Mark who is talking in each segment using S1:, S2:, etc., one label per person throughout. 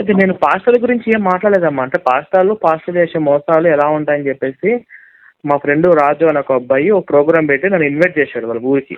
S1: అయితే నేను పాస్టర్ల గురించి ఏం మాట్లాడలేదమ్మా. అంటే పాస్టర్లు చేసే మోసాలు ఎలా ఉంటాయని చెప్పేసి మా ఫ్రెండ్ రాజు అని ఒక అబ్బాయి ఒక ప్రోగ్రామ్ పెట్టి నన్ను ఇన్వైట్ చేశాడు వాళ్ళ ఊరికి.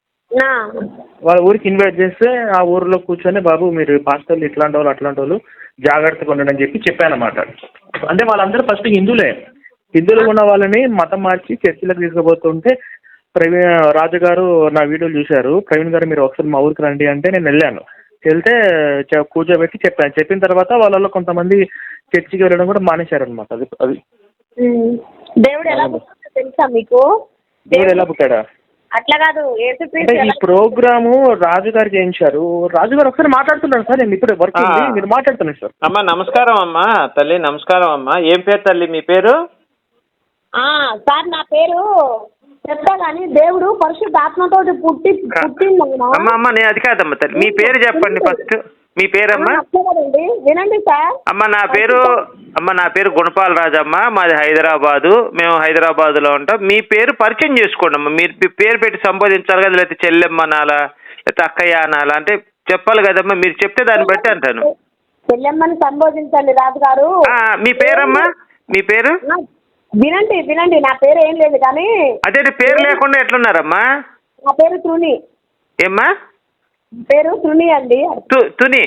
S1: వాళ్ళ ఊరికి ఇన్వైట్ చేస్తే ఆ ఊరిలో కూర్చొని బాబు మీరు పాస్టర్లు ఇట్లాంటి వాళ్ళు అట్లాంటి వాళ్ళు జాగ్రత్తగా ఉండండి అని చెప్పాను అన్నమాట. అంటే వాళ్ళందరూ ఫస్ట్ హిందువులు ఉన్న వాళ్ళని మతం మార్చి చర్చిలకు తీసుకుపోతుంటే రాజు గారు నా వీడియోలు చూశారు. ప్రవీణ్ గారు మీరు ఒకసారి మా ఊరికి రండి అంటే నేను వెళ్ళాను. వెళ్తే కూర్చోబెట్టి చెప్పిన తర్వాత వాళ్ళలో కొంతమంది చర్చికి వెళ్ళడం కూడా మానేశారనమాట. అది
S2: దేవుడు ఎలా పుట్టాడో తెలుసా మీకు?
S1: దేవుడు ఎలా పుట్టాడా?
S2: అట్లా కాదు,
S1: అంటే ఈ ప్రోగ్రాము రాజు గారు చేయించారు. రాజు గారు ఒకసారి మాట్లాడుతున్నాను సార్, నేను ఇప్పుడు వర్క్ మీరు మాట్లాడుతున్నాను సార్.
S3: అమ్మా నమస్కారం అమ్మా తల్లి, నమస్కారం అమ్మా. ఏం పేరు తల్లి మీ పేరు?
S2: సార్ నా పేరు చెప్తా కానీ దేవుడు పరిశుద్ధ ఆత్మతో పుట్టిందమ్మా.
S3: అమ్మా నేను అది కాదమ్మా తల్లి, మీ పేరు చెప్పండి ఫస్ట్. మీ పేరమ్మా?
S2: వినండి సార్.
S3: నా పేరు గుణపాల్ రాజమ్మ, మాది హైదరాబాదు. మేము హైదరాబాద్లో ఉంటాం. మీ పేరు పరిచయం చేసుకోండి అమ్మా. మీరు పేరు పెట్టి సంబోధించాలి కదా, లేకపోతే చెల్లెమ్మ అనాలా లేకపోతే అక్కయ్య అనాలా అంటే చెప్పాలి కదమ్మా. మీరు చెప్తే దాన్ని బట్టి అంటాను.
S2: చెల్లెమ్మని సంబోధించండి రాజు గారు.
S3: మీ పేరమ్మా? మీ పేరు
S2: వినండి నా పేరు ఏం లేదు కానీ.
S3: అదే పేరు లేకుండా ఎట్లున్నారమ్మా?
S2: నా పేరు తుని.
S3: ఏమ్మా
S2: పేరు తుని అండి.
S3: తుని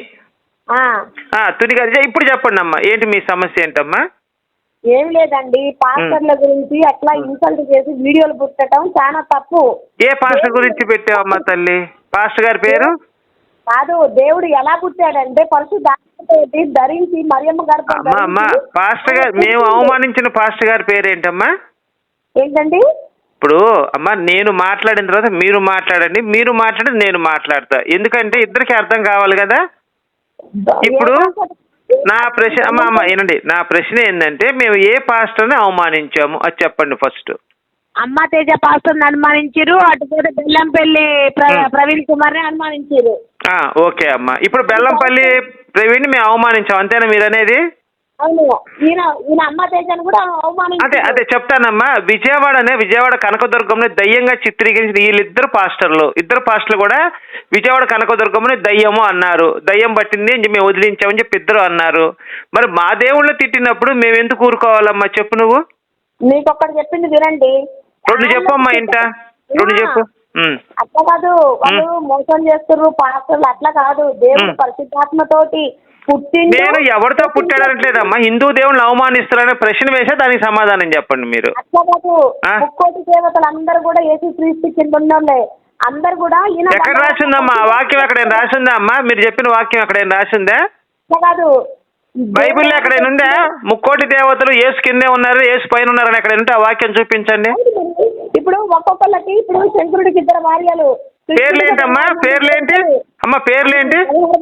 S3: తుని గారు ఇప్పుడు చెప్పండి అమ్మా, ఏంటి మీ సమస్య ఏంటమ్మా?
S2: ఏం లేదండి, పాస్టర్ల గురించి అట్లా ఇన్సల్ట్ చేసి వీడియోలు పుట్టడం చాలా తప్పు.
S3: ఏ పాస్టర్ గురించి పెట్టావమ్మా తల్లి? పాస్టర్ గారి పేరు
S2: కాదు, దేవుడు ఎలా పుట్టాడంటే పరిశుద్ధాత్మతోటి ధరించి మరియమ్మ గర్భం.
S3: అమ్మా పాస్టర్ గారు, మేము అవమానించిన పాస్టర్ గారి పేరేంటమ్మా?
S2: ఏంటండి?
S3: ఇప్పుడు అమ్మా నేను మాట్లాడిన తర్వాత మీరు మాట్లాడండి, మీరు మాట్లాడి నేను మాట్లాడతా. ఎందుకంటే ఇద్దరికి అర్థం కావాలి కదా. ఇప్పుడు నా ప్రశ్న అమ్మ ఏనండి, నా ప్రశ్న ఏంటంటే మేము ఏ పాస్టర్ని అవమానించాము అది చెప్పండి ఫస్ట్.
S2: అమ్మ తేజ పాస్టర్ని అనుమానించారు, అటుపోతే బెల్లంపల్లి ప్రవీణ్ కుమార్ని అనుమానించారు.
S3: ఓకే అమ్మా, ఇప్పుడు బెల్లంపల్లి ప్రవీణ్ మేము అవమానించాం అంతేనా మీరు అనేది?
S2: అవును, ఈయన అమ్మ తేజను కూడా అవమానించారు.
S3: అదే చెప్పానమ్మా. విజయవాడ కనకదుర్గంలో దయ్యంగా చిత్రీకరించిన ఇద్దరు పాస్టర్లు కూడా విజయవాడ కనకదుర్గంలో దయ్యము అన్నారు. దయ్యం పట్టింది అని మేము వదిలించామని చెప్పి ఇద్దరు అన్నారు. మరి మా దేవుళ్ళు తిట్టినప్పుడు మేము ఎందుకు ఊరుకోవాలమ్మా చెప్పు నువ్వు?
S2: మీకు ఒక్కటి చెప్పింది వినండి.
S3: రెండు చెప్పమ్మా, ఇంట రెండు చెప్పు.
S2: అట్లా కాదు, వాళ్ళు మోసం చేస్తున్నారు పాస్టర్లు, అట్లా కాదు. దేవుడు పరిశుద్ధాత్మతోటి
S3: నేను ఎవరితో పుట్టాడనట్లేదమ్మా. హిందూ దేవుళ్ళు అవమానిస్తారనే ప్రశ్న వేసే దానికి సమాధానం చెప్పండి మీరు.
S2: అట్లా కాదు, ముక్కోటి దేవతలు అందరు కూడా యేసుక్రీస్తు కింద ఉన్నోళ్ళే. అందరు కూడా
S3: ఎక్కడ రాసిందమ్మా వాక్యం? ఎక్కడైనా రాసిందా అమ్మా? మీరు చెప్పిన వాక్యం ఎక్కడైనా రాసిందా?
S2: అట్లా కాదు,
S3: బైబిల్లో ఎక్కడైనా ఉందా ముక్కోటి దేవతలు యేసు కిందే ఉన్నారు యేసు పైన ఉన్నారని ఎక్కడ ఉంటే ఆ వాక్యం చూపించండి.
S2: ఇప్పుడు ఒక్కొక్కళ్ళకి ఇప్పుడు శంకరుడికి ఇద్దరు భార్యలు.
S3: పేర్లేంటమ్మా? పేర్లేంటి అమ్మ? పేర్లేంటి?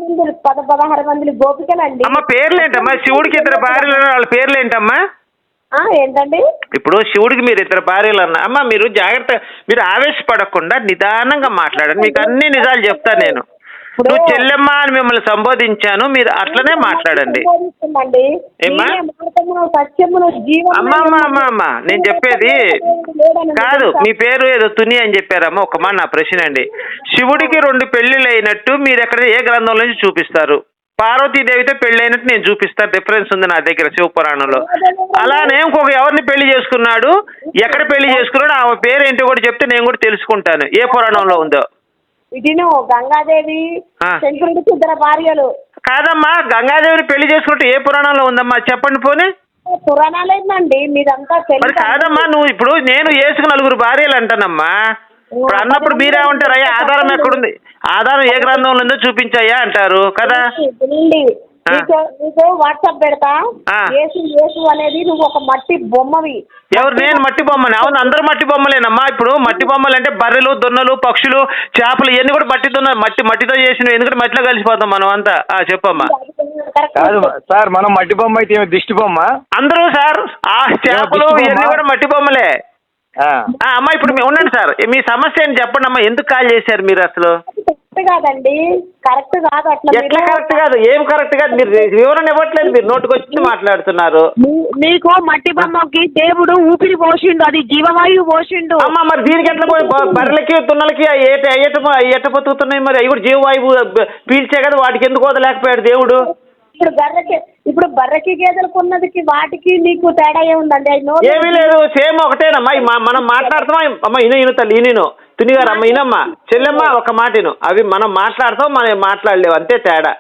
S2: 16 మంది గోపికలండి.
S3: అమ్మ పేర్లేంటమ్మా? శివుడికి ఇద్దరు భార్యలు వాళ్ళ పేర్లేంటమ్మా?
S2: ఏంటండి?
S3: ఇప్పుడు శివుడికి మీరు ఇద్దరు భార్యలు అన్న అమ్మ, మీరు జాగ్రత్త, మీరు ఆవేశపడకుండా నిదానంగా మాట్లాడండి. మీకు అన్ని నిజాలు చెప్తాను నేను. నువ్వు చెల్లెమ్మ అని మిమ్మల్ని సంబోధించాను, మీరు అట్లనే మాట్లాడండి. అమ్మా నేను చెప్పేది కాదు. మీ పేరు ఏదో తుని అని చెప్పారమ్మా. ఒక మాట నా ప్రశ్న అండి, శివుడికి 2 పెళ్లిళ్ళు అయినట్టు మీరు ఎక్కడ ఏ గ్రంథంలో నుంచి చూపిస్తారు? పార్వతీదేవితో పెళ్లి అయినట్టు నేను చూపిస్తాను, రిఫరెన్స్ ఉంది నా దగ్గర శివపురాణంలో. అలానే ఇంకొక ఎవరిని పెళ్లి చేసుకున్నాడు, ఎక్కడ పెళ్లి చేసుకున్నాడు, ఆమె పేరు ఏంటో కూడా చెప్తే నేను కూడా తెలుసుకుంటాను ఏ పురాణంలో ఉందో.
S2: ఇదిను గంగాదేవి శంకరుడికి ఇద్దరు భార్యలు.
S3: కాదమ్మా, గంగాదేవిని పెళ్లి చేసుకుంటే ఏ పురాణంలో ఉందమ్మా చెప్పండి పోనీ.
S2: పురాణాలు ఏంటండి మీదంతా?
S3: మరి కాదమ్మా, నువ్వు ఇప్పుడు నేను యేసుకు 4 భార్యలు అంటానమ్మా. ఇప్పుడు అన్నప్పుడు మీరేమంటారు? అయ్యా ఆధారం ఎక్కడుంది? ఆధారం ఏ గ్రంథంలో ఉందో చూపించాయా అంటారు కదా.
S2: నీకు వాట్సాప్ పెడతా. యేసు అనేది నువ్వు ఒక మట్టి బొమ్మవి.
S3: ఎవరు? నేను మట్టి బొమ్మని? అవును, అందరూ మట్టి బొమ్మలేనమ్మా. ఇప్పుడు మట్టి బొమ్మలు అంటే బర్రెలు, దొన్నలు, పక్షులు, చేపలు ఇవన్నీ కూడా మట్టితో చేసినవి. ఎందుకంటే మట్టిలో కలిసిపోతాం మనం అంతా. చెప్పమ్మా.
S4: కాదు సార్, మనం మట్టి బొమ్మ అయితే దిష్టి బొమ్మ.
S3: అందరూ సార్ ఆ చేపలు ఇవన్నీ కూడా మట్టి బొమ్మలే. అమ్మా ఇప్పుడు ఉండండి సార్, మీ సమస్య ఏంటి చెప్పండి అమ్మా. ఎందుకు కాల్ చేశారు మీరు అసలు?
S2: కాదండి, కరెక్ట్ కాదు. అట్లా
S3: ఎట్లా కరెక్ట్ కాదు? ఏం కరెక్ట్ కాదు? మీరు వివరణ ఇవ్వట్లేదు, మీరు నోటికి వచ్చి మాట్లాడుతున్నారు.
S2: మీకు మట్టి బొమ్మకి దేవుడు ఊపిరి పోసిండు, అది జీవవాయువు పోసిండు.
S3: అమ్మా మరి దీనికి ఎట్లా బర్రెలకి దున్నలకి ఎట్ట బతుకుతున్నాయి? మరి అవి కూడా జీవవాయువు పీల్చే కదా, వాటికి ఎందుకు వదలేకపోయాడు దేవుడు?
S2: ఇప్పుడు బర్రెకి గేదెలకు ఉన్నదికి వాటికి నీకు తేడా ఏముందండి?
S3: ఏమీ లేదు, సేమ్ ఒకటేనమ్మా. మనం మాట్లాడుతామా అమ్మ? ఇను తల్లి ఇను తునిగారు అమ్మ ఇనమ్మా చెల్లెమ్మ ఒక మాట ఇను. అవి మనం మాట్లాడతాం, మనం మాట్లాడలేవు, అంతే తేడా.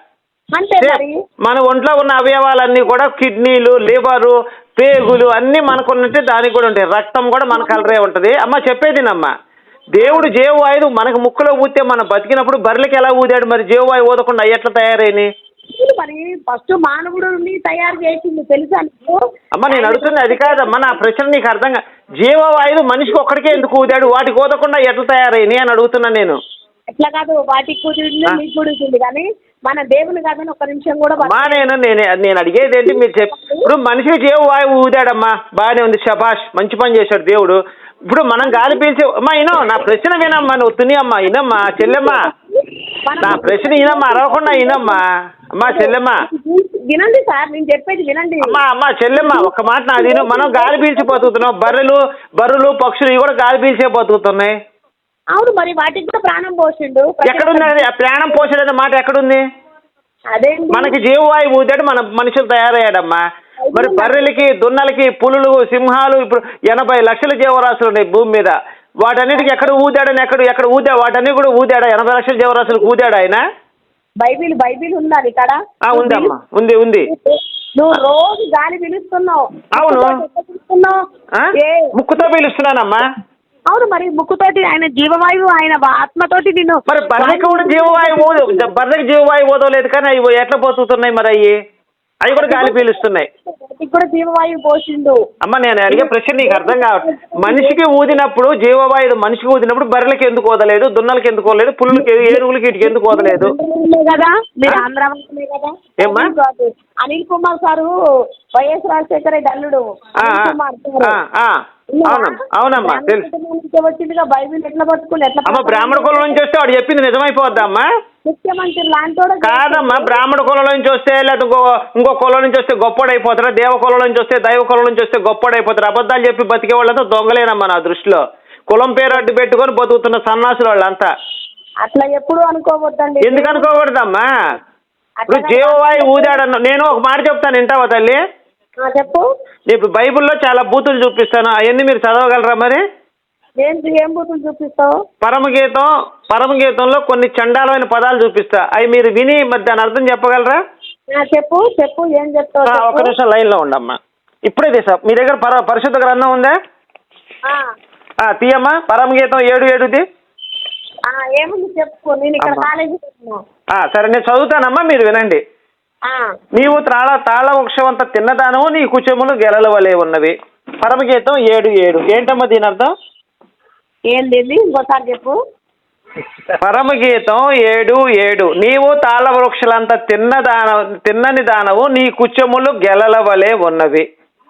S3: మన ఒంట్లో ఉన్న అవయవాలన్నీ కూడా కిడ్నీలు, లివరు, పేగులు అన్నీ మనకున్నట్టే దానికి కూడా ఉంటాయి. రక్తం కూడా మన కలరే ఉంటుంది. అమ్మ చెప్పేదినమ్మా, దేవుడు జీవవాయువు మనకు ముక్కులో ఊతే మనం బతికినప్పుడు బర్రెలకి ఎలా ఊదాడు? మరి జీవవాయువు ఊదకుండా ఎట్లా తయారైనాయి?
S2: మరి ఫస్ట్ మానవుడిని తయారు చేసింది తెలుసా?
S3: అమ్మ నేను అడుగుతుంది అది కాదమ్మా, నా ప్రశ్న నీకు అర్థంగా. జీవవాయువు మనిషికి ఒక్కడికే ఎందుకు ఊదాడు? వాటికి ఊదకుండా ఎట్లా తయారైనాయి అని అడుగుతున్నాను నేను.
S2: ఎట్లా కాదు, వాటికి కుదిరింది మీకు కుదిరింది, కానీ మన దేవుని కాదని ఒక నిమిషం కూడా.
S3: నేను అడిగేది ఏంటి, మీరు ఇప్పుడు మనిషికి జీవవాయువు ఊదాడమ్మా, బాగానే ఉంది, శభాష్, మంచి పని చేశాడు దేవుడు. ఇప్పుడు మనం గాలి పీల్చి అమ్మా ఇనో నా ప్రశ్న వినమ్మా, నువ్వు తుని అమ్మా ఇనమ్మా చెల్లెమ్మా, నా ప్రశ్న ఇనమ్మా, అరవకుండా ఇనమ్మా అమ్మా చెల్లెమ్మా.
S2: వినండి సార్, నేను చెప్పేది వినండి.
S3: అమ్మా చెల్లెమ్మా ఒక మాట నాది, మనం గాలి పీల్చి బతుకుతున్నాం. బర్రెలు పక్షులు ఇవి కూడా గాలి పీల్చే బతుకుతున్నాయి.
S2: అవును, మరి వాటికి కూడా ప్రాణం పోసిండు.
S3: ఎక్కడుంది అది? ప్రాణం పోసాడనే మాట ఎక్కడుంది?
S2: అదే
S3: మనకి జీవవాయువు ఊదాడు, మన మనుషులు తయారయ్యాడమ్మా. మరి బర్రెలకి, దున్నలకి, పులులు, సింహాలు, ఇప్పుడు 80 లక్షల జీవరాశులు ఉన్నాయి భూమి మీద. వాటన్నిటికి ఎక్కడ ఊదాడని ఎక్కడ ఊదా? వాటన్ని కూడా ఊదాడా? 80 లక్షల జీవరాశులకు ఊదాడు ఆయన?
S2: బైబిల్ ఉందా ఇక్కడ?
S3: ఉందమ్మా, ఉంది.
S2: నువ్వు రోజు గాలి పీలుస్తున్నావు.
S3: అవును, ముక్కుతో పీలుస్తున్నానమ్మా.
S2: అవును, మరి ముక్కుతోటి ఆయన జీవవాయువు, ఆయన ఆత్మతోటి నిన్ను.
S3: మరి బర్రెకి కూడా బర్రెకి జీవవాయువు ఊదలేదు, కానీ అవి ఎట్లా బతుకుతున్నాయి మరి? అవి కూడా గాలి పీలుస్తున్నాయి.
S2: కూడా జీవవాయువు పోసిండు.
S3: అమ్మ నేను అడిగే ప్రశ్న నీకు అర్థం కావట్లేదు. మనిషికి ఊదినప్పుడు జీవవాయువు మనిషికి ఊదినప్పుడు బర్రెలకి ఎందుకు ఊదలేదు? దున్నలకి ఎందుకు ఊదలేదు? పులులకి, ఏనుగులకి వీటికి ఎందుకు ఊదలేదు?
S2: కదా మీరు ఆంధ్ర కదా.
S3: ఏమ్మా?
S2: అనిల్ కుమార్ సారు వైఎస్ రాజశేఖర అల్లుడు.
S3: అవునమ్మా తెలుసు.
S2: వచ్చిందిగా బైబిల్ ఎట్లా పట్టుకుని ఎట్లా?
S3: అమ్మ బ్రాహ్మణ కులం నుంచి వస్తే వాడు చెప్పింది నిజమైపోద్దమ్మా?
S2: ముఖ్యమంత్రి లాంటి
S3: కాదమ్మా, బ్రాహ్మణ కులం నుంచి వస్తే లేదా ఇంకో కులం నుంచి వస్తే గొప్పడైపోతారా? దేవ కులం నుంచి వస్తే, దైవ కులం నుంచి వస్తే గొప్పడైపోతారు. అబద్ధాలు చెప్పి బతికే వాళ్ళంతా దొంగలేనమ్మా నా దృష్టిలో. కులం పేరు అడ్డు పెట్టుకొని బతుకుతున్న సన్నాసులు వాళ్ళంతా.
S2: అట్లా ఎప్పుడు అనుకోవద్దండి.
S3: ఎందుకు అనుకోకూడదమ్మా? ఇప్పుడు జీవవాయువు ఊదాడన్న నేను ఒక మాట చెప్తాను, వింటావా తల్లి?
S2: చెప్పు.
S3: ఇప్పుడు బైబిల్లో చాలా బూతులు చూపిస్తాను, అవన్నీ మీరు చదవగలరా మరి?
S2: ఏం బూతులు చూపిస్తావు?
S3: పరమగీతంలో కొన్ని చండాలమైన పదాలు చూపిస్తా, అవి మీరు విని మరి దాని అర్థం చెప్పగలరా?
S2: చెప్పు. ఏం చెప్తావు?
S3: ఒక నిమిషం లైన్లో ఉండమ్మా. ఇప్పుడే తీసా. మీ దగ్గర పరిశుద్ధ గ్రంథం ఉందా? తీయమ్మా, పరమగీతం 7:7.
S2: ఏముంది చెప్పు. నేను ఇక్కడ కాలేజీ.
S3: సరే నేను చదువుతానమ్మా, మీరు వినండి. నీవు తాళ వృక్షమంత తిన్నదానము, నీ కుచములు గెలల వలె ఉన్నవి. పరమగీతం 7:7. ఏంటమ్మా దీని అర్థం?
S2: ఏంది ఇంకోసారి చెప్పు.
S3: పరమగీతం 7:7. నీవు తాళ వృక్షలంత తిన్నని దానవు, నీ కుచములు గెలల వలె ఉన్నవి.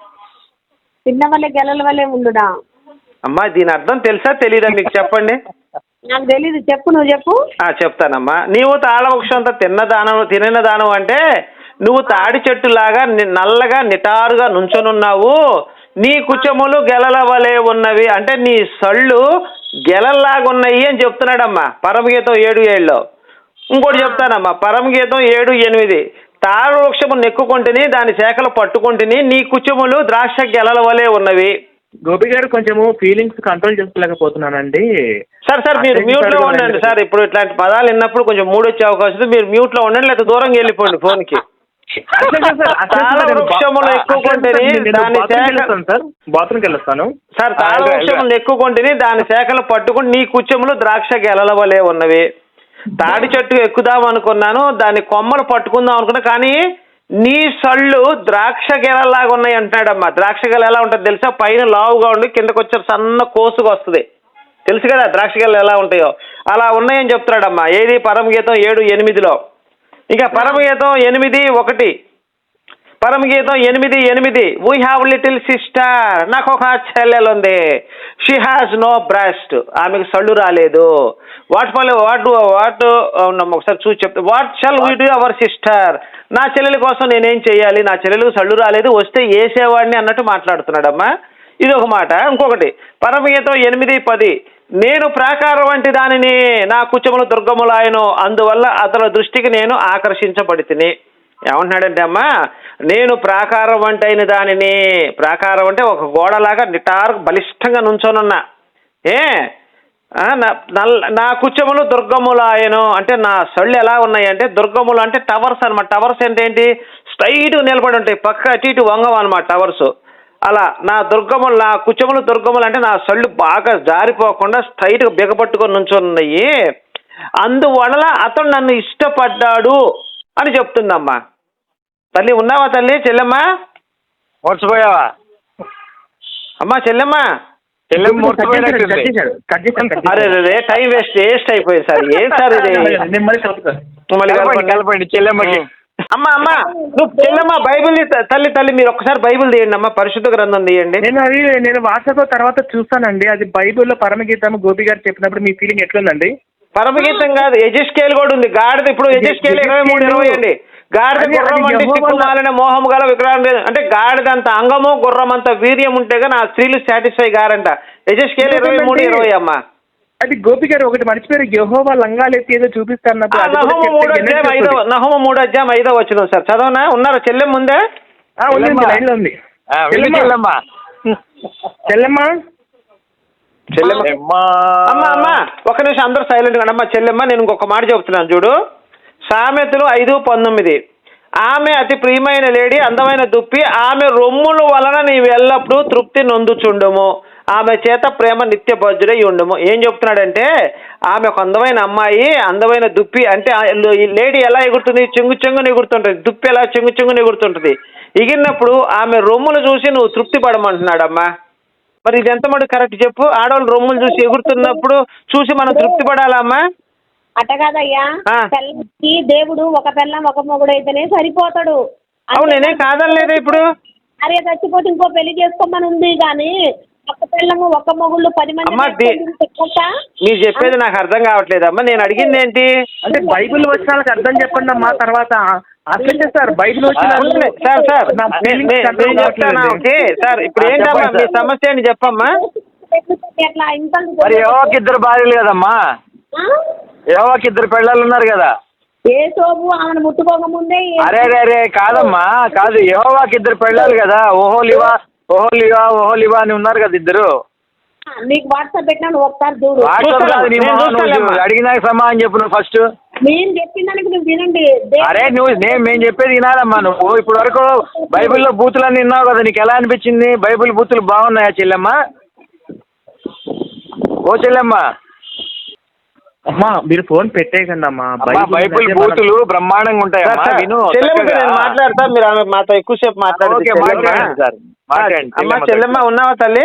S2: తిన్న వల్లే గెలల వల్లే ఉండునా?
S3: అమ్మా దీని అర్థం తెలుసా తెలీదా మీకు? చెప్పండి.
S2: నాకు తెలీదు, చెప్పు. నువ్వు చెప్పు.
S3: చెప్తానమ్మా. నీవు తాళ వృక్షంత తినిన దానం అంటే నువ్వు తాడి చెట్టులాగా నల్లగా నిటారుగా నుంచొనున్నావు. నీ కుచములు గెలల వలె ఉన్నవి అంటే నీ సళ్ళు గెలల్లాగా ఉన్నాయి అని చెప్తున్నాడమ్మా పరమగీతం 7:7లో. ఇంకోటి చెప్తానమ్మా, పరమగీతం 7:8. తాళ వృక్షము నెక్కుకొంటిని, దాని శాఖలు పట్టుకొంటిని, నీ కుచములు ద్రాక్ష గెలల వలె ఉన్నవి.
S1: గోపి గారు కొంచెము ఫీలింగ్స్ కంట్రోల్ చేసుకోలేకపోతున్నానండి.
S3: సార్ మీరు మ్యూట్ లో ఉండండి సార్. ఇప్పుడు ఇట్లాంటి పదాలు విన్నప్పుడు కొంచెం మూడు వచ్చే అవకాశం. మీరు మ్యూట్ లో ఉండండి, లేదా దూరంగా వెళ్ళిపోండి ఫోన్ కి. తాళ వృక్షములు ఎక్కుకొంటిని, దాని
S1: బాత్రూమ్కి వెళ్ళొస్తాను
S3: సార్. తాళ వృక్షములు ఎక్కుకొంటిని, దాని శాఖలు పట్టుకుని, నీ కుచములు ద్రాక్ష గెలల వలె ఉన్నవి. తాడి చెట్టు ఎక్కుదాం అనుకున్నాను, దాని కొమ్మలు పట్టుకుందాం అనుకున్నా, కానీ నీ సళ్ళు ద్రాక్ష గెలలాగా ఉన్నాయి అంటున్నాడమ్మా. ద్రాక్ష గెల ఎలా ఉంటుంది తెలుసా? పైన లావుగా ఉండి కిందకు వచ్చే సన్న కోసుగా వస్తుంది. తెలుసు కదా ద్రాక్ష గెలలు ఎలా ఉంటాయో? అలా ఉన్నాయని చెప్తున్నాడమ్మా. ఏది? పరమగీతం 7:8లో. ఇంకా పరమగీతం 8:1. పరమగీతం 8:8. వీ హ్యావ్ లిటిల్ సిస్టర్, నాకు ఒక చెల్లెలు ఉంది. షీ హ్యాస్ నో బ్రెస్ట్, ఆమెకు సళ్ళు రాలేదు. ఒకసారి చూసి చెప్తా. What shall we do our sister, నా చెల్లెల కోసం నేనేం చెయ్యాలి? నా చెల్లెలకు సళ్ళు రాలేదు, వస్తే వేసేవాడిని అన్నట్టు మాట్లాడుతున్నాడమ్మా. ఇది ఒక మాట. ఇంకొకటి పరమగీతం 8:10. నేను ప్రాకారం వంటి దానిని, నా కుచములు దుర్గములాయను, అందువల్ల అతని దృష్టికి నేను ఆకర్షించబడితిని. ఏమంటున్నాడంటే అమ్మా, నేను ప్రాకారం వంటి అయిన దానిని, ప్రాకారం అంటే ఒక గోడలాగా నిటారు బలిష్టంగా నుంచోనున్నా, నా కుచ్చములు దుర్గములు ఆయను, అంటే నా సళ్ళు ఎలా ఉన్నాయి అంటే దుర్గములు అంటే టవర్స్ అనమాట. టవర్స్ అంటే ఏంటి, స్ట్రైట్ నిలబడి ఉంటాయి, పక్క అటు ఇటు వంగం అనమాట టవర్స్. అలా నా దుర్గములు, నా కుచ్చములు దుర్గములు అంటే నా సళ్ళు బాగా జారిపోకుండా స్ట్రైట్గా బిగపట్టుకొని నుంచున్నాయి, అందువలన అతను నన్ను ఇష్టపడ్డాడు అని చెప్తుందమ్మా. తల్లి ఉన్నావా తల్లి? చెల్లెమ్మా
S4: మర్చిపోయావా?
S3: అమ్మా చెల్లెమ్మా, అరే రే టైం వేస్ట్ అయిపోయింది సార్. ఏం సార్ ఇది?
S4: కలపండి చెల్లెమ్మకి.
S3: అమ్మా అమ్మా నువ్వు చెల్లెమ్మా బైబిల్ తల్లి మీరు ఒక్కసారి బైబిల్ తీయండి అమ్మా, పరిశుద్ధ గ్రంథం తీయండి.
S1: నేను వాట్సాప్ తర్వాత చూస్తానండి. అది బైబిల్లో పరమగీతం గోపి గారు చెప్పినప్పుడు మీ ఫీలింగ్ ఎట్లుందండి?
S3: పరమగీతం కాదు, ఎజెస్కేల్ కూడా ఉంది. గాడిద ఇప్పుడు ఎజెస్కేల్ 23:20 అండి. గాడిద గుర్రం అంటే సిక్కుమాలిన మోహం గల విగ్రహం అంటే గాడిద అంత అంగము గుర్రం అంత వీర్యం ఉంటే గానీ ఆ స్త్రీలు సాటిస్ఫై గారంట. ఎజెస్కేల్ 23:20 అమ్మా.
S1: అది గోపి గారు ఒకటి మర్చిపోయారు, యెహోవా లంగాలు ఎత్తి ఏదో చూపిస్తారు.
S3: నహుము 3:5 సార్, చదవనా? ఉన్నారా చెల్లెమ్మ? ఉందే
S1: లైన్ లో ఉంది. చెల్లెమ్మ
S3: అమ్మా ఒక నిమిషం అందరూ సైలెంట్ గా అమ్మా. చెల్లెమ్మ నేను ఇంకొక మాట చెబుతున్నాను చూడు. సామెతలు 5:19, ఆమె అతి ప్రియమైన లేడీ, అందమైన దుప్పి, ఆమె రొమ్ముల వలన నీవు ఎల్లప్పుడూ తృప్తి నొందుచుండుము, ఆమె చేత ప్రేమ నిత్య బజ్జుడై ఉండుము. ఏం చెప్తున్నాడంటే ఆమె ఒక అందమైన అమ్మాయి, అందమైన దుప్పి అంటే ఈ లేడీ ఎలా ఎగురుతుంది? చెంగుని ఎగురుతుంటుంది. దుప్పి ఎలా చెంగుని ఎగురుతుంటుంది. ఎగిరినప్పుడు ఆమె రొమ్ములు చూసి నువ్వు తృప్తి పడమంటున్నాడమ్మా. మరి ఇది ఎంత మటు కరెక్ట్ చెప్పు? ఆడవాళ్ళు రొమ్ములు చూసి ఎగురుతున్నప్పుడు చూసి మనం తృప్తి పడాలమ్మా?
S2: అట్ట కాదయ్యా, పిల్లకి దేవుడు ఒక పిల్లం ఒక మొగుడు అయితేనే సరిపోతాడు.
S3: అవును, నేనే కాదనలేదు. ఇప్పుడు
S2: అరే చచ్చిపోతే ఇంకో పెళ్లి చేసుకోమని ఉంది కానీ ఒక పిల్లము ఒక మొగుళ్ళు 10 మంది.
S3: మీరు చెప్పేది నాకు అర్థం కావట్లేదమ్మా. నేను అడిగింది ఏంటి
S1: అంటే బైబిల్ వచ్చినాలకు అర్థం చెప్పండి అమ్మా. తర్వాత అట్లే sir Bible
S3: sir okay sir, ఇప్పుడు ఏంటమ్మా మీ సమస్య అని చెప్పమ్మా.
S4: మరి యెహోవాకి 2 భార్యలు కదమ్మా, యెహోవాకి 2 పెళ్ళాలు ఉన్నారు కదా.
S2: ఏ సోపు ఆమెను ముట్టుకోక ముందే.
S4: అరే కాదమ్మా, కాదు, యెహోవాకి 2 పెళ్ళాలు కదా. ఓహోలివా అని ఉన్నారు కదా 2.
S2: నీకు వాట్సాప్ పెట్టినా ఒకసారి చూడు.
S4: అడిగినాక సమాధానం చెప్పు నువ్వు ఫస్ట్.
S2: నేను చెప్పిన దానికి నువ్వు వినండి.
S4: అరే మేము చెప్పేది వినాలమ్మా. నువ్వు ఇప్పుడు వరకు బైబిల్లో బూతులన్నీ విన్నావు కదా, నీకు ఎలా అనిపించింది? బైబిల్ బూతులు బాగున్నాయా చెల్లెమ్మ? ఓ చెల్లెమ్మ,
S1: అమ్మా మీరు ఫోన్ పెట్టేయకండి అమ్మా.
S4: బైబిల్ బూతులు బ్రహ్మాండంగా ఉంటాయి.
S3: మాట్లాడతా, మీరు ఆమె మాతో ఎక్కువసేపు మాట్లాడండి. చెల్లెమ్మ ఉన్నావా తల్లి?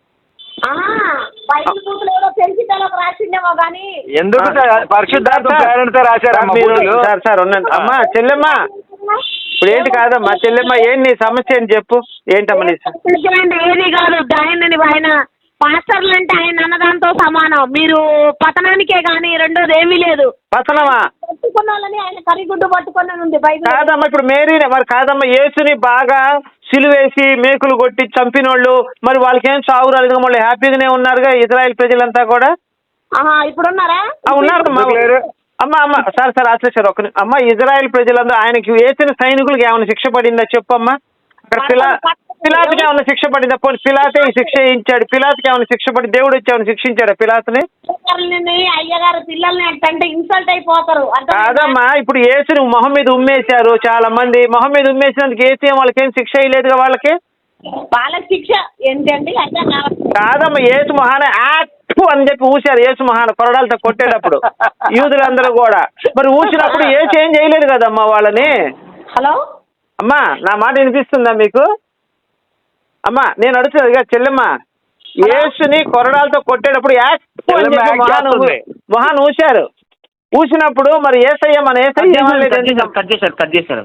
S4: ఎందుకు పరిశుద్ధాత్మ ప్రేరణతో రాశారమ్మా.
S3: సార్ ఉండండి అమ్మా. చెల్లెమ్మ ఇప్పుడు ఏంటి కాదమ్మా, చెల్లెమ్మ ఏంటి నీ సమస్య అని చెప్పు. ఏంటమ్మా నీ
S2: ఏది కాదు, ఆయన పాస్టర్లు అంటే ఆయన అన్నదాంతో సమానం. మీరు పతనానికే గానీ రెండోది ఏమీ లేదు.
S3: పతనమా?
S2: పట్టుకున్నాలని ఆయన కరిగుడ్డు పట్టుకున్నాను ఉంది బైబిల్.
S3: కాదమ్మా ఇప్పుడు మేరీనే మరి కాదమ్మా, యేసుని బాగా సిలువేసి మేకులు కొట్టి చంపినోళ్ళు మరి వాళ్ళకేం చావు రాలేదు, వాళ్ళు హ్యాపీగానే ఉన్నారుగా ఇజ్రాయెల్ ప్రజలంతా కూడా.
S2: ఇప్పుడున్నారా?
S3: ఉన్నారు అమ్మా. సార్ అసలు ఒక అమ్మ, ఇజ్రాయెల్ ప్రజలందరూ ఆయనకి వేసిన సైనికులకి ఏమైనా శిక్ష పడిందా చెప్పమ్మా? అక్కడ పిలాతుకి ఏమైనా శిక్ష పడిందా? పోనీ పిలాతే ఈ శిక్ష ఇచ్చాడు, పిలాతుకి ఏమైనా శిక్ష పడి దేవుడు వచ్చి ఏమైనా శిక్షించాడు పిలాతుని?
S2: అయ్యగారు పిల్లల్ని అంటే ఇన్సల్ట్ అయిపోతారు.
S3: కాదమ్మా ఇప్పుడు యేసుని మొహం మీద ఉమ్మేశారు చాలా మంది. మొహం మీద ఉమ్మేసినందుకు యేసు వాళ్ళకేం శిక్ష అయ్యలేదుగా వాళ్ళకి
S2: శిక్ష ఏంటండి?
S3: కాదమ్మా, యేసు మొహాన యాక్ట్ అని చెప్పి ఊసారు. యేసు మొహాన కొరడాలతో కొట్టేటప్పుడు యూదులందరూ కూడా. మరి ఊసినప్పుడు యేసు ఏం చేయలేదు కదమ్మా వాళ్ళని.
S2: హలో
S3: అమ్మా, నా మాట వినిపిస్తుందా మీకు? అమ్మా నేను అడుగుతున్నది చెల్లెమ్మ, యేసుని కొరడాలతో కొట్టేటప్పుడు మొహాన్ ఊశారు. ఊసినప్పుడు మరి ఏసయ్య మన ఏసయ్య
S1: కట్ చేశారు.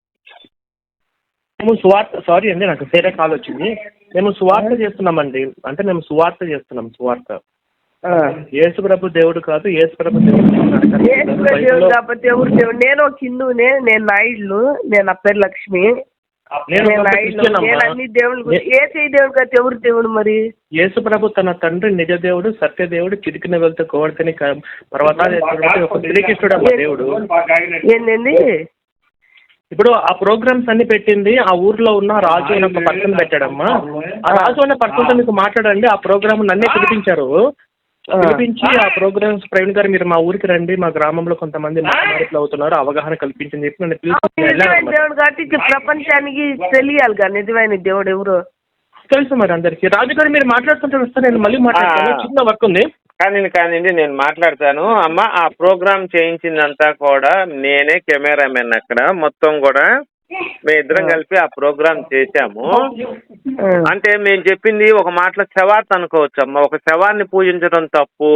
S1: మేము సువార్త, సారీ అండి నాకు వేరే కాల్ వచ్చింది. మేము సువార్త చేస్తున్నామండి. అంటే మేము సువార్త చేస్తున్నాం. సువార్త యేసు ప్రభు దేవుడు కాదు, యేసు ప్రభు దేవుడు
S5: కాకపోతే ఎవరు దేవుడు? నేను ఒక హిందువునే, నేను నాయుడు, నేను నా పేరు లక్ష్మి. నేను అన్ని దేవుడు ఏ చేయి దేవుడు కాదు, ఎవరు దేవుడు? మరి
S1: యేసు ప్రభు తన తండ్రి నిజ దేవుడు, సత్య దేవుడు, చిరికిన వెళ్తే కోవడితేనే పర్వతాలు శ్రీకృష్ణుడు దేవుడు.
S5: ఏంటండి?
S1: ఇప్పుడు ఆ ప్రోగ్రామ్స్ అన్ని పెట్టింది ఆ ఊర్లో ఉన్న రాజు అనే ఒక పర్సన్ పెట్టాడమ్మా. ఆ రాజు అనే పర్సన్తో మీకు మాట్లాడండి. ఆ ప్రోగ్రామ్ నన్నే పిలిపించారు. పిలిపించి ఆ ప్రోగ్రామ్స్ ప్రవీణ్ గారు మీరు మా ఊరికి రండి, మా గ్రామంలో కొంతమంది మాట్లాడుతూ అవుతున్నారు, అవగాహన కల్పించని చెప్పి నన్ను
S5: నిజమైన దేవుడు కాబట్టి ప్రపంచానికి తెలియాలి కదా నిజమైన దేవుడు ఎవరు
S1: తెలుసు మరి అందరికి. రాజుగారు మీరు మాట్లాడుతుంటే వస్తే నేను మళ్ళీ మాట్లాడతాను, చిన్న వర్క్ ఉంది.
S3: కానివ్వండి నేను మాట్లాడతాను. అమ్మ ఆ ప్రోగ్రామ్ చేయించిందంతా కూడా నేనే, కెమెరామెన్ అక్కడ మొత్తం కూడా మేము ఇద్దరం కలిపి ఆ ప్రోగ్రామ్ చేశాము. అంటే మేము చెప్పింది ఒక మాటలో శవాత్ అనుకోవచ్చు అమ్మ. ఒక శవాన్ని పూజించడం తప్పు.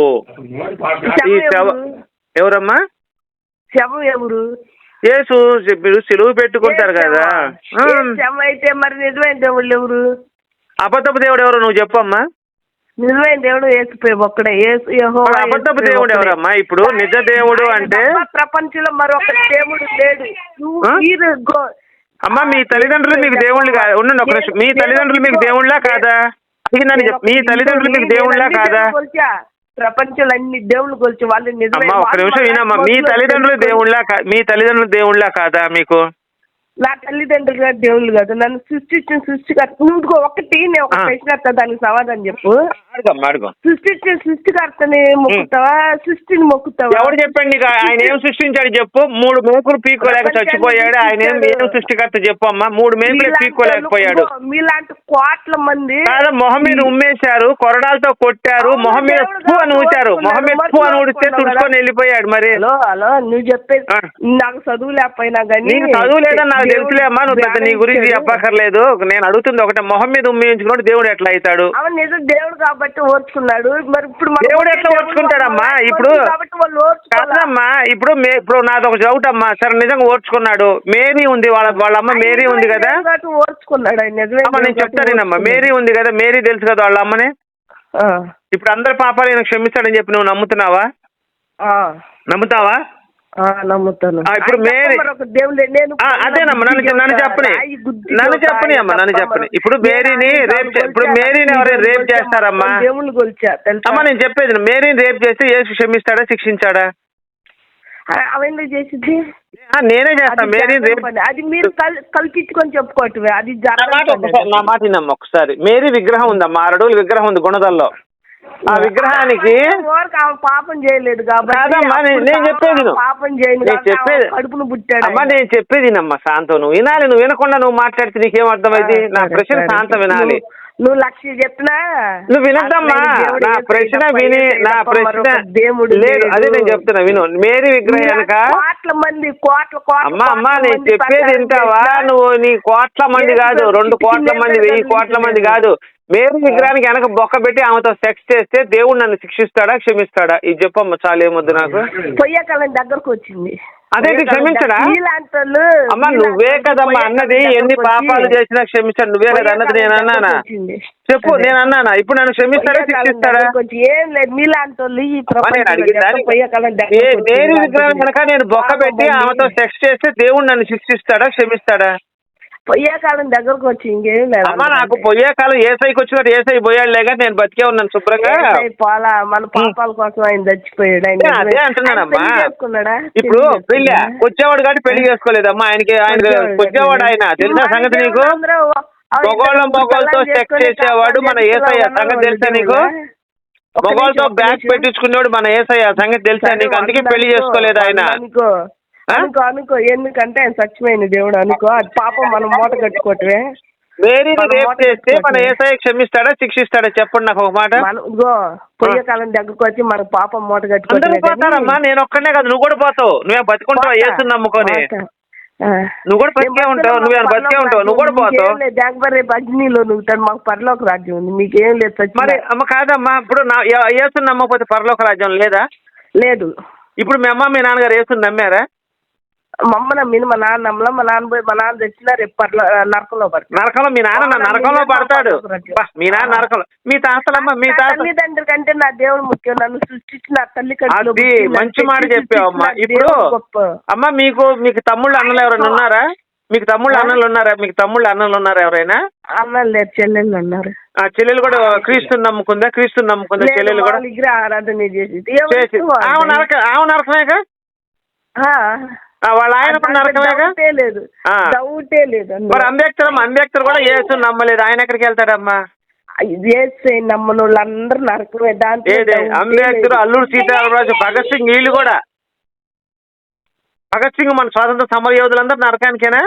S3: ఈ ఎవరమ్మా?
S5: శవం ఎవరు?
S3: యేసు మీరు సిలువు పెట్టుకుంటారు కదా.
S5: శవం అయితే మరి నిజమైన దేవుళ్ళు ఎవరు?
S3: అబద్ధపు దేవుడు ఎవరు నువ్వు చెప్పమ్మా.
S5: నిజమైన దేవుడు యేసు ఒక్కడే.
S3: అబద్ధపు దేవుడు ఎవరమ్మా? ఇప్పుడు నిజ దేవుడు అంటే
S5: ప్రపంచంలో మరొక దేవుడు లేడు.
S3: అమ్మా మీ తల్లిదండ్రులు మీకు దేవుళ్ళు ఉండండి ఒక నిమిషం. మీ తల్లిదండ్రులు మీకు దేవుళ్ళా కాదా? మీ తల్లిదండ్రులు మీకు దేవుళ్ళా కాదా?
S5: ప్రపంచంలో అన్ని దేవుళ్ళు కొలిచి వాళ్ళు నిజమే.
S3: ఒక నిమిషం వినమ్మా. మీ తల్లిదండ్రులు దేవుళ్ళా కాదా మీకు?
S5: నా తల్లిదండ్రులు గారు దేవుళ్ళు కాదు, నన్ను సృష్టించిన సృష్టికర్త. నువ్వు ఒకటి నేను ఒక ప్రశ్న దానికి సమాధానం చెప్పు. సృష్టించిన సృష్టికర్తని మొక్కుతావా సృష్టిని మొక్కుతావా?
S3: ఎవరు చెప్పండి నీకు? ఆయన ఏం సృష్టించాడు చెప్పు. 3 మేకులు పీక్కోలేక చచ్చిపోయాడు. ఆయన ఏం సృష్టికర్త చెప్పు అమ్మా. 3 మేకులు పీక్కోలేకపోయాడు.
S5: మీలాంటి కోట్ల మంది
S3: మొహం మీద ఉమ్మేశారు, కొరడాలతో కొట్టారు, మొహం మీద పూ అని ఊచారు. మొహం మీద పూ అని ఊడిస్తే తుడుచుకొని వెళ్ళిపోయాడు. మరి
S5: హలో నువ్వు చెప్పేది నాకు చదువు లేకపోయినా కానీ
S3: చదువు లేదని నాకు తెలుసులే అమ్మా. నువ్వు పెద్ద నీ గురించి చెప్పక్కర్లేదు. నేను అడుగుతుంది ఒకటే, మొహం మీద ఉమ్మేయించుకున్నాడు దేవుడు ఎట్లా అవుతాడు?
S5: నిజం దేవుడు కాబట్టి ఓర్చుకున్నాడు. మరి ఇప్పుడు
S3: దేవుడు ఎట్లా ఓర్చుకుంటాడమ్మా? ఇప్పుడు కాదమ్మా. ఇప్పుడు నాది ఒక డౌట్ అమ్మా. సరే నిజంగా ఓర్చుకున్నాడు. మేరీ ఉంది, వాళ్ళ అమ్మ మేరీ ఉంది కదా.
S5: ఓర్చుకున్నాడు
S3: నేను చెప్తానేనమ్మా. మేరీ ఉంది కదా, మేరీ తెలుసు కదా వాళ్ళ అమ్మనే. ఇప్పుడు అందరి పాపాలు నేను క్షమిస్తాడని చెప్పి నువ్వు నమ్ముతున్నావా? నమ్ముతావా?
S5: నమ్ముతాను.
S3: ఇప్పుడు మేరీ అదేనమ్మా. నన్ను చెప్పని అమ్మా. ఇప్పుడు మేరీని ఎవరైనా రేప్ చేస్తారమ్మా? అమ్మా నేను చెప్పేది, మేరీని రేప్ చేస్తే యేసు క్షమిస్తాడా శిక్షించాడా?
S5: అవెందుకు చేసింది?
S3: నేనే చేస్తాను. మేరీని రేప్
S5: అది మీరు కల్పించుకొని చెప్పుకోవటమే. అది
S3: నా మాట వినమ్మా ఒకసారి. మేరీ విగ్రహం ఉందమ్మా, 6 అడుగుల విగ్రహం ఉంది గుణదల్లో. ఆ విగ్రహానికి
S5: పాపం చేయలేదు
S3: కాదమ్మా. నేను చెప్పేది
S5: పాపం చేయలేదు, కడుపును పుట్టాడు.
S3: అమ్మా నేను చెప్పేది వినమ్మా. శాంతం నువ్వు వినాలి. నువ్వు వినకుండా నువ్వు మాట్లాడితే నీకేం అర్థమైంది? నా ప్రశ్న శాంతం వినాలి.
S5: నువ్వు 1,00,000 చెప్పినా
S3: నువ్వు వినద్దమ్మా. నా ప్రశ్న విని నా ప్రశ్న
S5: దేవుడు
S3: లేదు. అదే నేను చెప్తున్నా విను. మేరీ విగ్రహం
S5: కోట్ల మంది
S3: అమ్మా నేను చెప్పేది వింటావా నువ్వు? నీ కోట్ల మంది కాదు, 2 కోట్ల మంది, 1000 కోట్ల మంది కాదు. మేరీ విగ్రహానికి వెనక బొక్క పెట్టి ఆమెతో సెక్స్ చేస్తే దేవుడు నన్ను శిక్షిస్తాడా క్షమిస్తాడా? ఇది చెప్పమ్మా. చాలా ఏమొద్దు నాకు.
S5: పొయ్యే కాలం దగ్గరకు వచ్చింది.
S3: అదేంటి క్షమించడా? అమ్మా నువ్వే కదమ్మా అన్నది. ఎన్ని పాపాలు చేసినా క్షమించాడు నువ్వే కదా అన్నది. నేను అన్నానా? చెప్పు. నేను అన్నానా? ఇప్పుడు నన్ను క్షమిస్తాడా శిక్షిస్తాడా? మేరీ విగ్రహం కనుక నేను బొక్క పెట్టి ఆమెతో సెక్స్ చేస్తే దేవుడు నన్ను శిక్షిస్తాడా క్షమిస్తాడా?
S5: పొయ్యే కాలం దగ్గరకు వచ్చి ఇంకేం లేదు
S3: అమ్మా. నాకు పొయ్యే కాలం ఏసైకి వచ్చినట్టు ఏసై పోయాడులే కానీ నేను బతికే ఉన్నాను శుభ్రంగా.
S5: పోలా మన పాపాల కోసం ఆయన చచ్చిపోయాడు.
S3: అదే అంటున్నానమ్మా. ఇప్పుడు పెళ్లి వచ్చేవాడు కాబట్టి పెళ్లి చేసుకోలేదమ్మా. ఆయన వచ్చేవాడు ఆయన తెలుసా సంగతి నీకు? మొగోళ్ళతో సెక్స్ చేసేవాడు మన ఏసయ్య సంగతి తెలుసా నీకు? మొగోళ్ళతో బ్యాగ్ పెట్టించుకునేవాడు మన ఏసయ్య సంగతి తెలుసా నీకు? అందుకే పెళ్లి చేసుకోలేదు ఆయన.
S5: అనుకో ఎందుకంటే ఆయన సత్యమైన దేవుడు అనుకో. అది పాపం మనం మూట కట్టుకోవటమే.
S3: మేరీని రేప్ చేస్తే మన యేసయ్య క్షమిస్తాడా శిక్షిస్తాడా చెప్పండి నాకు ఒక మాట.
S5: పొయ్యే కాలం దగ్గరకు వచ్చి మన పాపం మూట
S3: కట్టుకుంటారమ్మా. నేను ఒక్కనే కదా, నువ్వు కూడా పోతావు. నువ్వే బతుకుంటావు యేసుని నమ్ముకొని. నువ్వు కూడా బతికే ఉంటావు. నువ్వేమైనా బతికే ఉంటావు. నువ్వు కూడా పోతావు.
S5: రేపు అగ్నిలో నువ్వు మాకు పరలోక రాజ్యం ఉంది, మీకేం లేదు.
S3: మరి అమ్మ కాదమ్మా. ఇప్పుడు యేసుని నమ్మకపోతే పరలోక రాజ్యం లేదా?
S5: లేదు.
S3: ఇప్పుడు మీ అమ్మ మీ నాన్నగారు యేసుని నమ్మారా?
S5: మా అమ్మ నమ్మింది, మా నాన్న నమ్మలా. మా నాన్న పోయి మా నాన్న తెచ్చినా రేపు నరకంలో పడతాడు.
S3: నరకంలో మీ నాన్న నరకంలో పడతాడు. మీ నాన్న నరకంలో. మీ తాతలమ్మ మీ
S5: తల్లిదండ్రుల కంటే నా దేవుడు ముఖ్యం. నన్ను సృష్టించిన నా తల్లి కంటే
S3: మంచి మాట చెప్పావమ్మా. ఇప్పుడు అమ్మ మీకు తమ్ముళ్ళు అన్నలు ఎవరైనా ఉన్నారా? మీకు తమ్ముళ్ళు అన్నలు ఉన్నారా ఎవరైనా?
S5: అన్నలు లేరు, చెల్లెళ్ళు ఉన్నారు.
S3: ఆ చెల్లెలు కూడా క్రీస్తుని నమ్ముకుందా? చెల్లెలు కూడా
S5: విగ్రహ ఆరాధన చేసి
S3: ఆమె నరకమేగా. వాళ్ళ ఆయన నరకమేగా.
S5: లేదు, డౌటే లేదు.
S3: మరి అంబేద్కర్ కూడా యేసు నమ్మలేదు, ఆయన ఎక్కడికి వెళ్తాడమ్మా?
S5: నమ్మని వాళ్ళు అందరూ నరకమే.
S3: అంబేద్కర్, అల్లూరు సీతారామరాజు, భగత్ సింగ్, వీళ్ళు కూడా. భగత్ సింగ్ మన స్వాతంత్ర సమర యోధులందరూ నరకానికేనా?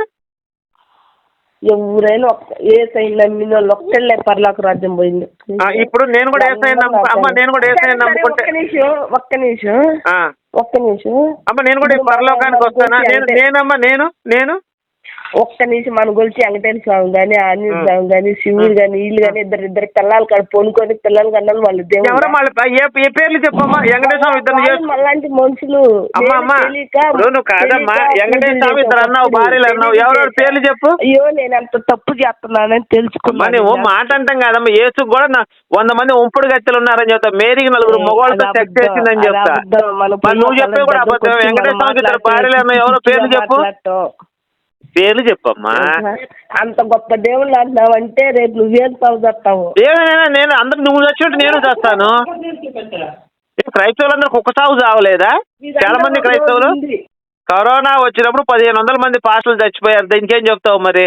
S5: ఎవరైనా ఏసై నమ్మిన వాళ్ళు ఒక్కళ్ళే పరలోక రాజ్యం పోయింది.
S3: ఇప్పుడు నేను కూడా ఏసై నమ్ముకుంటే
S5: ఒక్క నిమిషం
S3: అమ్మ, నేను కూడా పరలోకానికి వస్తానా? నేను
S5: ఒక్క నిమిషం మన గురించి వెంకటేశ్వర స్వామి గాని, ఆంజనేయ స్వామి గాని, శివుడు గాని, వీళ్ళు గాని ఇద్దరు పిల్లలు కాదు పొనుకొని పిల్లలు కన్నా వాళ్ళు
S3: ఏ పేర్లు చెప్పమ్మా? వెంకటేశ్వర స్వామి ఇద్దరు
S5: అలాంటి మనుషులు.
S3: నువ్వు కాదమ్మా, వెంకటేశ్వర స్వామి ఇద్దరు అన్నావు, భార్యలు అన్నావు, ఎవరెవరు పేర్లు చెప్పు.
S5: అయ్యో నేను అంత తప్పు చేస్తున్నానని తెలుసుకున్నా.
S3: నువ్వు మాట అంటాం కాదమ్మా, యేసు కూడా 100 మంది ఉంపుడు గత్తెలు ఉన్నారని చెప్తా, మేరీకి 4 మగవాళ్ళతో సెక్స్ చేసిందని చెప్తా. నువ్వు చెప్పే కూడా అబద్ధం. వెంకటేశ్వర స్వామి ఇద్దరు భార్యలు అన్నావు, ఎవరో పేర్లు చెప్పు. పేర్లు చెప్పమ్మా.
S5: అంత గొప్ప దేవుళ్ళు అంటున్నావంటే రేపు నువ్వేం చదువుతావు?
S3: ఏమైనా నేను అందరు నువ్వు చచ్చినట్టు నేను చేస్తాను. క్రైస్తవులందరికి ఒక్క సాగు చావలేదా? చాలా మంది క్రైస్తవులు కరోనా వచ్చినప్పుడు 1500 మంది పాస్టర్లు చచ్చిపోయారు. ఇంకేం చెప్తావు మరి?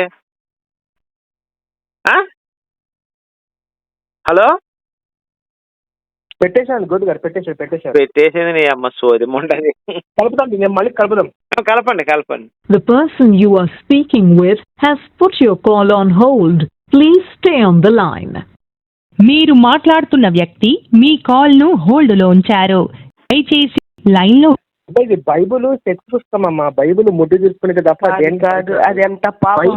S3: హలో,
S1: పెట్టేశాను గోదు గారు,
S3: పెట్టేసేది నీ అమ్మ సోది మొండది.
S1: కలుపుతాం, మేము మళ్ళీ కలుపుదాం.
S3: కలపండి.
S6: The person you are speaking with has put your call on hold. Please stay on the line.
S7: మీరు మాట్లాడుతున్న వ్యక్తి మీ కాల్ ను హోల్డ్ లో ఉంచారు. దయచేసి లైన్ లో.
S1: ఇది బైబుల్ సెక్స్ పుస్తకం అమ్మా. బైబుల్ ముద్దు తీసుకునే తప్ప
S5: కాదు. అది ఎంత పాపం.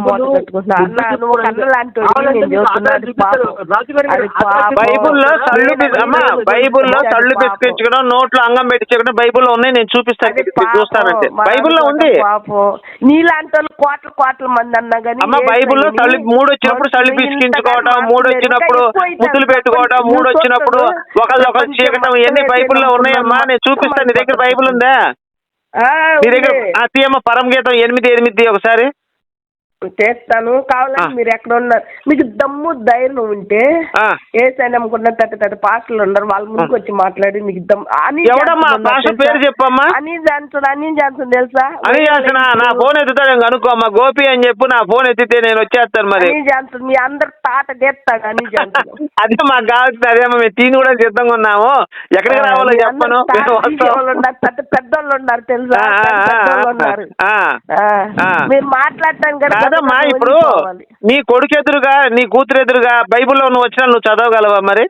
S3: బైబుల్లో తళ్ళు పిసికించుకోవడం, నోట్లో అంగం పెట్టించుకోవడం బైబుల్లో ఉన్నాయి. నేను చూపిస్తాను, చూస్తానంటే బైబుల్లో ఉంది.
S5: నీలాంటి వాళ్ళు కోట్ల మంది అన్నా కానీ
S3: అమ్మ, బైబుల్లో 3 వచ్చినప్పుడు తళ్ళు పిసికించుకోవడం, 3 వచ్చినప్పుడు ముద్దులు పెట్టుకోవడం, 3 వచ్చినప్పుడు ఒకళ్ళు చీకటం, ఇవన్నీ బైబుల్లో ఉన్నాయమ్మా. నేను చూపిస్తాను. నీ దగ్గర బైబుల్ ఉందా? మీ దగ్గర తీయమ్మ పరమగీతం 8:8 ఒకసారి
S5: చేస్తాను. కావాలంటే మీరు ఎక్కడ ఉన్నారు, మీకు దమ్ము ధైర్యం ఉంటే ఏసైనా నమ్ముకున్న పెద్ద పాస్టర్లు ఉన్నారు, వాళ్ళ ముందుకు వచ్చి మాట్లాడి మీకు
S3: పేరు చెప్పమ్మా.
S5: అని జాన్సన్ తెలుసా?
S3: అని జాన్సన్ నా ఫోన్ ఎత్తుతాడు అనుకోమ్మా. గోపి అని చెప్పు, నా ఫోన్ ఎత్తితే నేను వచ్చేస్తాను. మరి
S5: అని జాన్సన్ మీ అందరు తాట చేస్తాడు. అని జాన్సన్
S3: అదే మాకు కావాల్సింది. అదేమ్మా, మేము తీని కూడా సిద్ధంగా ఉన్నాము. ఎక్కడికి రావాలో చెప్పను.
S5: పెద్దోళ్ళు ఉన్నారు తెలుసా? ఉన్నారు. మీరు మాట్లాడటానికి
S3: కాదమ్మా, ఇప్పుడు నీ కొడుకు ఎదురుగా, నీ కూతురు ఎదురుగా బైబుల్లో నువ్వు వచ్చినా నువ్వు చదవగలవా? మరి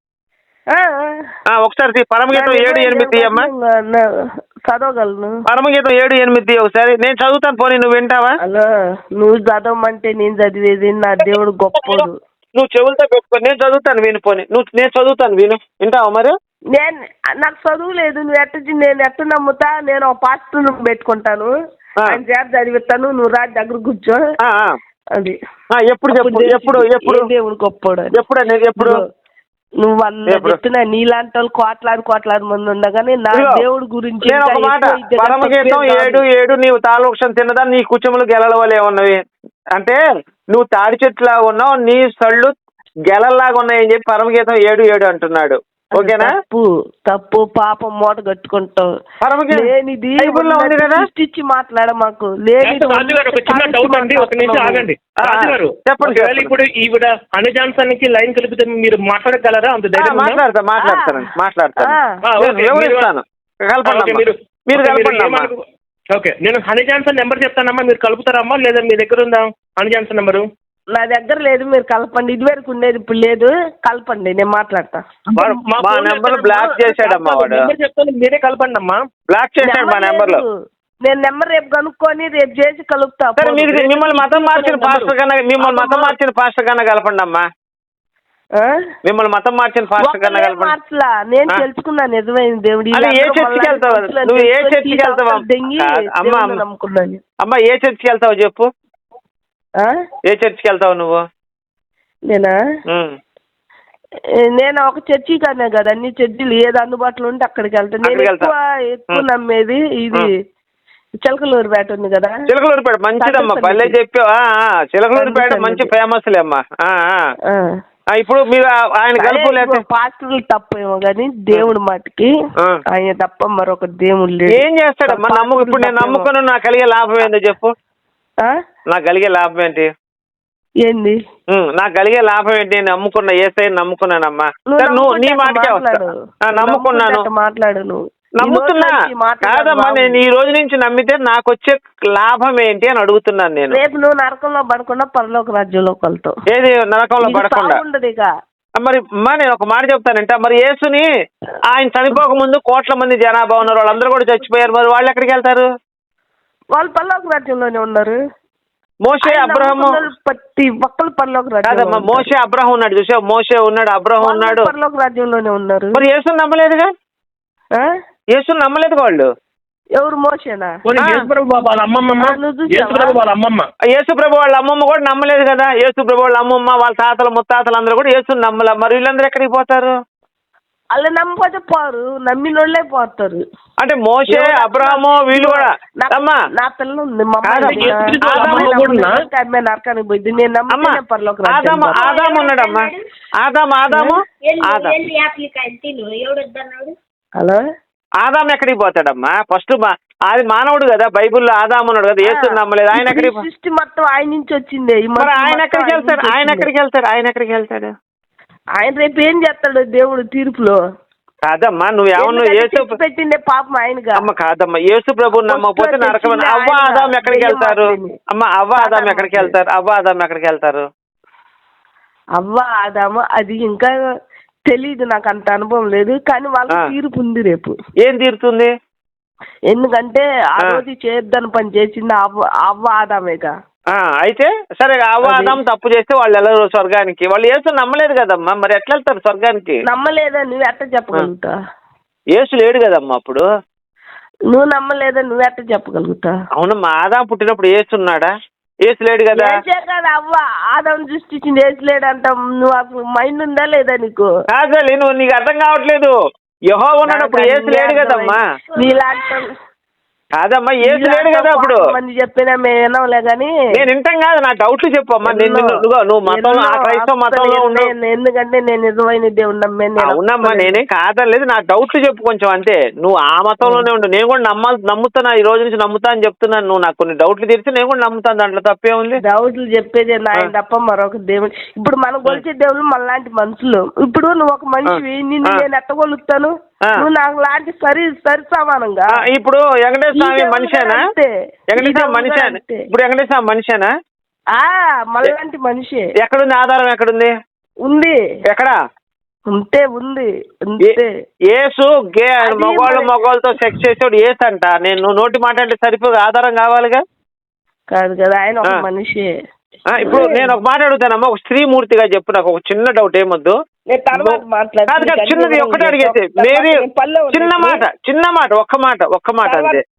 S3: ఒకసారి పరమగీతం 7:8 అమ్మా.
S5: చదవగలను.
S3: పరమగీతం 7:8 ఒకసారి నేను చదువుతాను. పోనీ నువ్వు వింటావా?
S5: హలో, నువ్వు చదవమంటే నేను చదివేది. నా దేవుడు గొప్పడు.
S3: నువ్వు చెవులతో పెట్టుకో, నేను చదువుతాను విను. పోనీ నేను చదువుతాను విను. వింటావా? మరి
S5: నాకు చదువు లేదు. నేను ఎట్టు నమ్ముతా? నేను ఒక పాస్టర్ పెట్టుకుంటాను, ఆయన చేత చదివిస్తాను. నువ్వు రాజు దగ్గర కూర్చో. అది
S3: ఎప్పుడు
S5: దేవుడు గొప్పడు.
S3: ఎప్పుడు
S5: నువ్వు చెప్తున్నా? నీలాంటి వాళ్ళు కోట్లాది మంది ఉండగానే నా దేవుడు గురించి
S3: పరమగీతం 7:7 నీవు తాళవృక్షం తిన్నదా నీ కుచములు గెలవలే ఉన్నవి అంటే నువ్వు తాడి చెట్టులాగా ఉన్నావు, నీ సళ్ళు గెలల్లాగా ఉన్నాయని చెప్పి పరమగీతం 7:7 అంటున్నాడు. ఓకేనా?
S5: తప్పు పాపం మూట కట్టుకుంటాం. లేనిది సృష్టించి మాట్లాడ మాకు లేనిది.
S1: చెప్పండి. ఇప్పుడు ఈవిడ హనీ జాన్సన్ కి లైన్ కలిపితే మీరు మాట్లాడగలరా? అంత ధైర్యం?
S3: మాట్లాడతాను.
S1: ఓకే, నేను హనీ జాన్సన్ నెంబర్ చెప్తానమ్మా, మీరు కలుపుతారమ్మా? లేదా మీ దగ్గర ఉందా హనీ జాన్సన్ నెంబరు?
S5: నా దగ్గర లేదు, మీరు కలపండి. ఇది వరకు ఉండేది, ఇప్పుడు లేదు. కలపండి, నేను మాట్లాడతా.
S3: మా నెంబర్ బ్లాక్ చేశాడమ్మా వాడు.
S1: చెప్తాను, మీరే కలపండి అమ్మా.
S3: బ్లాక్ చేశాడు మా నెంబర్ లో.
S5: నేను నెంబర్ రేపు కనుక్కొని రేపు చేసి కలుపుతా.
S3: మిమ్మల్ని మతం మార్చిన పాస్టర్ కన్నా కలపండి అమ్మా. మిమ్మల్ని మతం మార్చిన పాస్టర్ కన్నా కలపండి.
S5: మార్చలా, నేను తెలుసుకున్నా నిజమైన దేవుడు.
S3: ఏ చర్చికి వెళ్తావు? నువ్వు ఏ చర్చికి వెళ్తావు అమ్మా? అమ్మా, ఏ చర్చికి వెళ్తావు చెప్పు? ఏ చర్చికి వెళ్తావు నువ్వు?
S5: నేను ఒక చర్చి కన్నా కదా, అన్ని చర్చిలు ఏది అందుబాటులో ఉంటే అక్కడికి వెళ్తాను. నేను ఎక్కువ నమ్మేది ఇది చిలకలూరుపేట ఉంది కదా.
S3: చిలకలూరుపేట మంచిదమ్మా, పల్లె చెప్పావా? చిలకలూరుపేట మంచి ఫేమస్ లే అమ్మా. ఇప్పుడు మీరు ఆయన గల్పు లేకపోతే
S5: పాస్టర్లు తప్పేమో కానీ దేవుడి మాటికి ఆయన తప్ప మరొక దేవుడు లేడు.
S3: ఏం చేస్తాడమ్మా? ఇప్పుడు నేను నమ్ముకున్నా, నాకు కలిగే లాభం ఏందో చెప్పు. నాకు కలిగే లాభం ఏంటి?
S5: ఏంది
S3: నాకు కలిగే లాభం ఏంటి? నేను నమ్ముకున్నా, ఏసైని నమ్ముకున్నానమ్మా. నువ్వు నీ మాటకే వస్తా. నమ్ముకున్నాను,
S5: మాట్లాడు. నువ్వు
S3: నమ్ముతున్నా కాదమ్మా. నేను ఈ రోజు నుంచి నమ్మితే నాకు వచ్చే లాభం ఏంటి అని అడుగుతున్నాను నేను.
S5: రేపు నువ్వు నరకంలో పడకుండా పరలోక రాజ్యంలోకి వెళ్తావు.
S3: ఏది నరకంలో పడకుండా?
S5: ఉండదు ఇక.
S3: మరి అమ్మా నేను ఒక మాట చెప్తానంటే, మరి యేసుని ఆయన చనిపోక ముందు కోట్ల మంది జనాభా ఉన్నారు, వాళ్ళందరూ కూడా చచ్చిపోయారు, మరి వాళ్ళు ఎక్కడికి వెళ్తారు?
S5: వాళ్ళు పరలోక రాజ్యంలోనే ఉన్నారు.
S3: మోషే అబ్రహము
S5: ప్రతి ఒక్కరు పరలోక రాజ్యం.
S3: కాదమ్మా, మోషే అబ్రహం ఉన్నాడు చూసావు, మోషే ఉన్నాడు, అబ్రహం ఉన్నాడు,
S5: పరలోక రాజ్యంలోనే ఉన్నారు.
S3: మరి యేసుని నమ్మలేదుగా? యేసుని నమ్మలేదు వాళ్ళు.
S5: ఎవరు? మోషేనా?
S3: యేసు ప్రభు వాళ్ళ అమ్మమ్మ కూడా నమ్మలేదు కదా. యేసు ప్రభు వాళ్ళ అమ్మమ్మ, వాళ్ళ తాతలు ముత్తాతలు అందరూ కూడా యేసుని నమ్మలే. మరి వీళ్ళందరూ ఎక్కడికి పోతారు?
S5: వాళ్ళు నమ్మకపోతే పోరు, నమ్మినోళ్ళే పోతారు.
S3: అంటే మోషే అబ్రహము వీళ్ళు కూడా అమ్మా.
S5: నా పిల్ల ఉంది, నరకానికి పోయింది. నేను నమ్మకం పరలోక
S3: ఆదాము ఉన్నాడమ్మా. ఆదాము
S5: హలో,
S3: ఆదాము ఎక్కడికి పోతాడమ్మా? ఫస్ట్ అది మానవుడు కదా, బైబుల్లో ఆదాము ఉన్నాడు కదా, యేసు నమ్మలేదు. ఆయన ఎక్కడికి?
S5: సృష్టి మొత్తం ఆయన నుంచి వచ్చింది.
S3: మరి ఆయన ఎక్కడికి వెళ్తాడు? ఆయన ఎక్కడికి వెళ్తాడు?
S5: ఆయన రేపు ఏం చేస్తాడు దేవుడు తీర్పులో?
S3: కాదమ్మా, నువ్వేమన్నా యేసు
S5: పెట్టిండే పాపం ఆయనగా.
S3: అమ్మ కాదమ్మా, యేసు ప్రభుని నమ్మకపోతే నరకం. అవ్వ ఆదాం ఎక్కడికి వెళ్తారు? అమ్మ అవ్వ ఆదాం ఎక్కడికి వెళ్తారు?
S5: అవ్వ ఆదాము అది ఇంకా తెలీదు, నాకు అంత అనుభవం లేదు. కానీ వాళ్ళకి తీర్పు ఉంది రేపు.
S3: ఏం తీరుతుంది?
S5: ఎందుకంటే ఆ రోజు చేద్దాని పని చేసింది అవ్వ ఆదామేగా.
S3: అయితే సరే, అవ్వ ఆదాం తప్పు చేస్తే వాళ్ళు వెళ్ళరు స్వర్గానికి. వాళ్ళు యేసు నమ్మలేదు కదమ్మా, మరి ఎట్లా వెళ్తారు స్వర్గానికి?
S5: నమ్మలేదా నువ్వు ఎట్లా చెప్పగలుగుతా?
S3: యేసు లేడు కదమ్మా అప్పుడు.
S5: నువ్వు నమ్మలేదా నువ్వు ఎట్లా చెప్పగలుగుతా?
S3: అవునమ్మా, ఆదాం పుట్టినప్పుడు యేసు ఉన్నాడా? యేసు లేడు కదా.
S5: అవ్వ ఆదాం సృష్టించింది యేసు లేడు అంటాం. నువ్వు అసలు మైండ్ ఉందా లేదా నీకు?
S3: కాదు, నీకు అర్థం కావట్లేదు. యెహోవా ఉన్నప్పుడు యేసు లేడు కదమ్మా.
S5: నీలాంటి
S3: కాదమ్మా, యేసు లేడు కదా అప్పుడు.
S5: మంది చెప్పినా మేము వినవులే కానీ
S3: నేను వింటాం కాదు, నా డౌట్లు చెప్పు అమ్మా. నువ్వు మతంలో, క్రైస్తవ మతంలో ఉండు.
S5: ఎందుకంటే నేను నిజమైన దేవుడు నమ్మాను.
S3: అవునమ్మా, నేనేం కాదలేదు, నా డౌట్లు చెప్పు కొంచెం అంతే. నువ్వు ఆ మతంలోనే ఉండు, నేను కూడా నమ్ముతున్నా, ఈ రోజు నుంచి నమ్ముతా అని చెప్తున్నాను. నువ్వు నాకు కొన్ని డౌట్లు తీర్చి నేను కూడా నమ్ముతాను, దాంట్లో తప్పే ఉంది.
S5: డౌట్లు చెప్పేది ఆయన తప్ప మరొక దేవుడు. ఇప్పుడు మనం కొలిచే దేవుడు మనలాంటి మనుషులు. ఇప్పుడు నువ్వు ఒక మనిషివి, నిన్ను నేను ఎట్టగొలుగుతాను? నువ్వు నాకు లాంటి సరి సమానంగా.
S3: ఇప్పుడు వెంకటేశ్వర స్వామి మనిషేనా? వెంకటేశ్వర మనిషేనా? ఇప్పుడు వెంకటేశ్వర స్వామి మనిషేనా?
S5: మనలాంటి మనిషి.
S3: ఎక్కడుంది ఆధారం? ఎక్కడుంది?
S5: ఉంది.
S3: ఎక్కడ
S5: ఉంది?
S3: యేసు మగవాళ్ళతో సెక్స్ చేసేవాడు యేసు అంట. నేను నోటి మాట అంటే సరిపోదు, ఆధారం కావాలిగా.
S5: కాదు కదా, ఆయన ఒక మనిషి.
S3: ఇప్పుడు నేను ఒక మాట అడుగుతానమ్మా, ఒక స్త్రీ మూర్తిగా చెప్పు. నాకు ఒక చిన్న డౌట్, ఏమొద్దు. చిన్నది ఒక్కటే అడిగేసి మేరీ, చిన్న మాట ఒక్క మాట అంతే.